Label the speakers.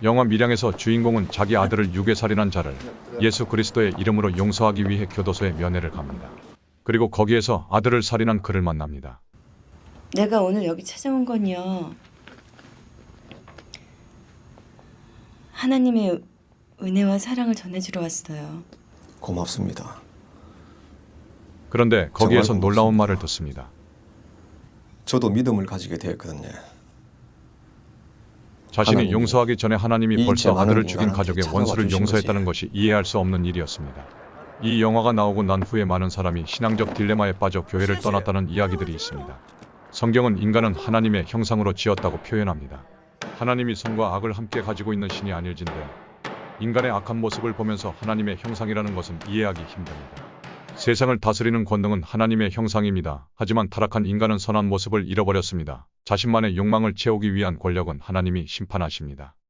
Speaker 1: 영화 밀양에서 주인공은 자기 아들을 유괴살인한 자를 예수 그리스도의 이름으로 용서하기 위해 교도소에 면회를 갑니다. 그리고 거기에서 아들을 살인한 그를 만납니다.
Speaker 2: 내가 오늘 여기 찾아온 건요. 하나님의 은혜와 사랑을 전해주러 왔어요.
Speaker 3: 고맙습니다.
Speaker 1: 그런데 거기에서
Speaker 3: 정말
Speaker 1: 놀라운
Speaker 3: 고맙습니다.
Speaker 1: 말을 듣습니다.
Speaker 3: 저도 믿음을 가지게 되었거든요.
Speaker 1: 자신이
Speaker 3: 하나님이
Speaker 1: 용서하기 전에 하나님이
Speaker 3: 이
Speaker 1: 벌써
Speaker 3: 많은
Speaker 1: 아들을 죽인
Speaker 3: 인간한테
Speaker 1: 가족의
Speaker 3: 찾아와
Speaker 1: 원수를
Speaker 3: 주신
Speaker 1: 용서했다는
Speaker 3: 거지.
Speaker 1: 것이 이해할 수 없는 일이었습니다. 이 영화가 나오고 난 후에 많은 사람이 신앙적 딜레마에 빠져 교회를 떠났다는 이야기들이 있습니다. 성경은 인간은 하나님의 형상으로 지었다고 표현합니다. 하나님이 선과 악을 함께 가지고 있는 신이 아닐진데 인간의 악한 모습을 보면서 하나님의 형상이라는 것은 이해하기 힘듭니다. 세상을 다스리는 권능은 하나님의 형상입니다. 하지만 타락한 인간은 선한 모습을 잃어버렸습니다. 자신만의 욕망을 채우기 위한 권력은 하나님이 심판하십니다.